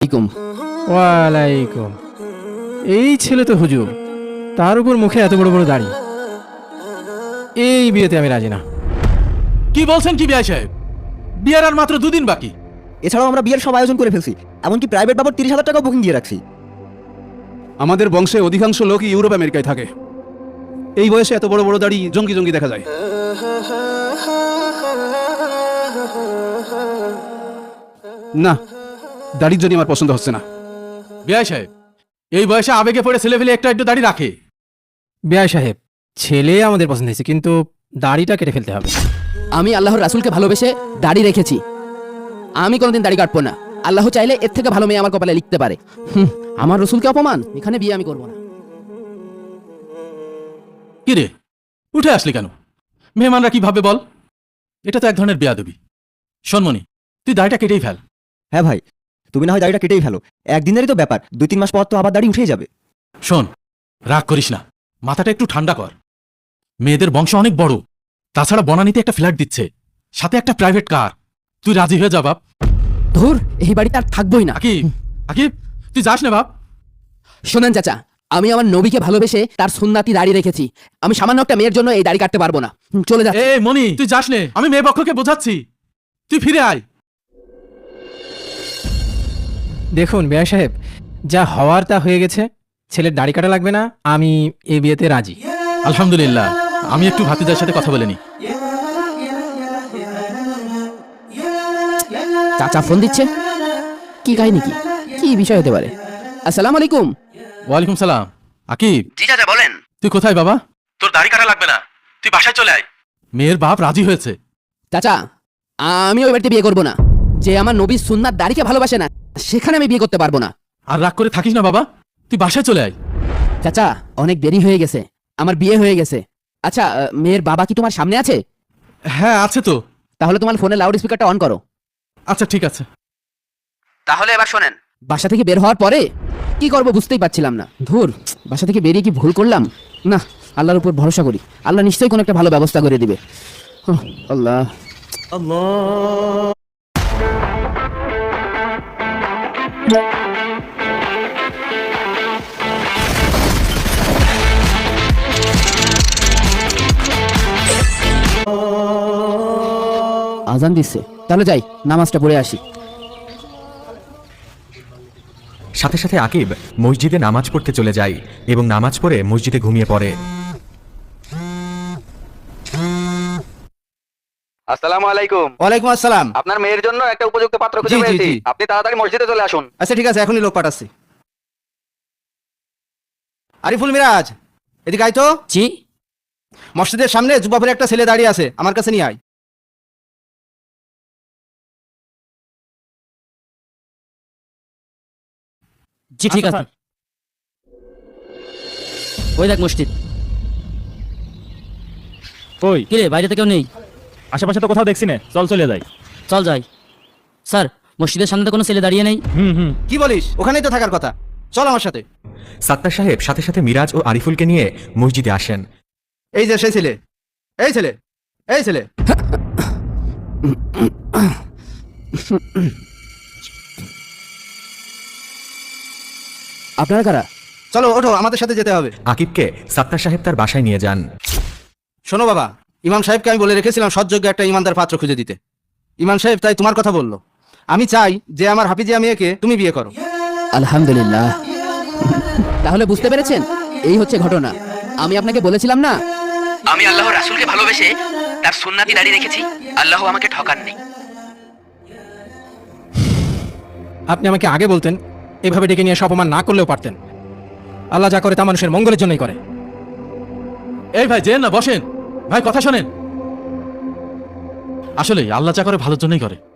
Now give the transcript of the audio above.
আলাইকুম। ওয়ালাইকুম। এই ছেলে তো হুজুর, তার উপর মুখে এত বড় বড় দাড়ি। এই বিয়েতে আমি রাজি না। কি বলছেন কি বিআই সাহেব? বিয়ের আর মাত্র 2 দিন বাকি। এছাড়াও আমরা বিয়ের সব আয়োজন করে ফেলছি, এমনকি প্রাইভেট বাবদ 30,000 টাকা বুকিং দিয়ে রাখছি। আমাদের বংশে অধিকাংশ লোকই ইউরোপ আমেরিকায় থাকে। এই বয়সে এত বড় বড় দাড়ি জঙ্গি জঙ্গি দেখা যায়। না, দাড়ির জন্য আমার পছন্দ হচ্ছে না। বিআই সাহেব, এই বয়সে আবেগে পড়ে ছেলে ফেলে একটু দাড়ি রাখে। বিআই সাহেব, ছেলে আমাদের পছন্দ হয়েছে, কিন্তু দাড়িটা কেটে ফেলতে হবে। আমি আল্লাহর রাসূলকে ভালোবেসে দাড়ি রেখেছি। আমি কোনোদিন দাড়ি কাটবো না। আল্লাহ চাইলে এর থেকে ভালো মেয়ে আমার কপালে লিখতে পারে। আমার রসুলকে অপমান, এখানে বিয়ে আমি করবো না। কি রে, উঠে আসলি কেন? মেহমানরা কি ভাবে বল? এটা তো এক ধরনের বেয়াদবি। শোনমনি, তুই দাড়িটা কেটেই ফেল। হ্যাঁ ভাই, তুমি না হয় দাড়িটা কেটেই ফেলো, একদিনেরই তো ব্যাপার, 2-3 মাস পর তো আবার দাড়ি উঠেই যাবে। শোন, রাগ করিস না, মাথাটা একটু ঠান্ডা কর। মেয়েদের বংশ অনেক বড়, তাছাড়া বনানীতে একটা ফ্ল্যাট দিচ্ছে, সাথে একটা প্রাইভেট কার। তুই রাজি হয়ে যা বাপ। ধুর, এই বাড়িতে আর থাকবোই না। আকিব, আকিব, তুই যাস না বাপ। শোনেন চাচা, আমি আমার নবীকে ভালোবেসে তার সুন্নাতি দাড়ি রেখেছি। আমি সামান্য একটা মেয়ের জন্য এই দাড়ি কাটতে পারবো না। চলে যা। এ মনি, তুই যাস নে, আমি মেয়ে পক্ষকে বোঝাচ্ছি। তুই ফিরে আয়। দেখুন বিআই সাহেব, যা হওয়ার তা হয়ে গেছে। ছেলের দাড়ি কাটা লাগবে না, আমি এই বিয়েতে রাজি। আলহামদুলিল্লাহ, আমি একটু ভাতিজার সাথে কথা বলে নি। চাচা ফোন দিচ্ছে, কি কাহিনী, কি কি বিষয় হতে পারে? আসসালামু আলাইকুম। ওয়ালাইকুম সালাম। আকিব, জি চাচা বলেন। তুই কোথায় বাবা? তোর দাড়ি কাটা লাগবে না, তুই বাসায় চলে আয়। মেয়ের বাপ রাজি হয়েছে। চাচা, আমি ওই বাড়িতে বিয়ে করবো না। যে আমার নবীর সুন্নাত দাড়িকে ভালোবাসে না, সেখানে আমি বিয়ে করতে পারবো না। আর রাগ করে থাকিস না বাবা, তুই বাসায় চলে আয়। চাচা, অনেক দেরি হয়ে গেছে, আমার বিয়ে হয়ে গেছে। আচ্ছা, মেয়ের বাবা কি তোমার সামনে আছে? হ্যাঁ আছে তো। তাহলে তোমার ফোনে লাউড স্পিকারটা অন করো। আচ্ছা ঠিক আছে। তাহলে এবার শোনেন, বাসা থেকে বের হওয়ার পরে কি করব বুঝতেই পারছিলাম না। ধুর, বাসা থেকে বেরিয়ে কি ভুল করলাম? না, আল্লাহর উপর ভরসা করি, আল্লাহ নিশ্চয়ই কোনো একটা ভালো ব্যবস্থা করে দিবে। আল্লাহ আল্লাহ। আজান দিচ্ছে, তাহলে যাই নামাজটা পড়ে আসি। সাথে সাথে আকিব মসজিদে নামাজ পড়তে চলে যায় এবং নামাজ পড়ে মসজিদে ঘুমিয়ে পড়ে। আসসালামু আলাইকুম। ওয়ালাইকুম আসসালাম। আপনার মেয়ের জন্য একটা উপযুক্ত পাত্র খুঁজে জি, জি, পেয়েছি, জি। আপনি তাড়াতাড়ি মসজিদে চলে আসুন। আচ্ছা ঠিক আছে, এখনই লোক পাঠাচ্ছি। আরিফুল মিরাজ, এদিকে আয় তো। জি। মসজিদের সামনে যুবা পরে একটা ছেলে দাঁড়িয়ে আছে, আমার কাছে নিয়ে আয়। জি ঠিক আছে। ওই দেখ মসজিদ। কই কি রে, বাইরে তো কেউ নেই? আশেপাশে তো কোথাও দেখছি না, চল চলে যাই। চল যাই। স্যার, মসজিদের সামনে তো কোনো ছেলে দাঁড়িয়ে নেই। কি বলিস? ওখানেই তো থাকার কথা, চল আমার সাথে। সাত্তার সাহেব সাথে সাথে মিরাজ ও আরিফুলকে নিয়ে মসজিদে আসেন। এই যে সেই ছেলে, এই ছেলে, এই ছেলে। আপনারা কারা? চলো ওঠো, আমাদের সাথে যেতে হবে। আকিবকে সাত্তার সাহেব তার বাসায় নিয়ে যান। শোনো বাবা, ইমাম সাহেবকে আমি বলে রেখেছিলাম সৎযোগ্য একটা ইমানদার পাত্র খুঁজে দিতে। ইমাম সাহেব তাই তোমার কথা বললো। আমি চাই যে আমার হাফিজিয়া মেয়েকে তুমি বিয়ে করো। আলহামদুলিল্লাহ। তাহলে বুঝতে পেরেছেন, এই হচ্ছে ঘটনা। আমি আপনাকে বলেছিলাম না, আমি আল্লাহর রাসূলকে ভালোবেসে তার সুন্নাতি দাড়ি রেখেছি। আল্লাহ আমাকে ঠকাননি। আপনি আমাকে আগে বলতেন, এভাবে ডেকে নিয়ে এসে অপমান না করলেও পারতেন। আল্লাহ যা করে তা মানুষের মঙ্গলের জন্যই করে। এই ভাই যেন না, বসেন ভাই, কথা শোনেন। আসলে আল্লাহ যা করে ভালোর জন্যই করে।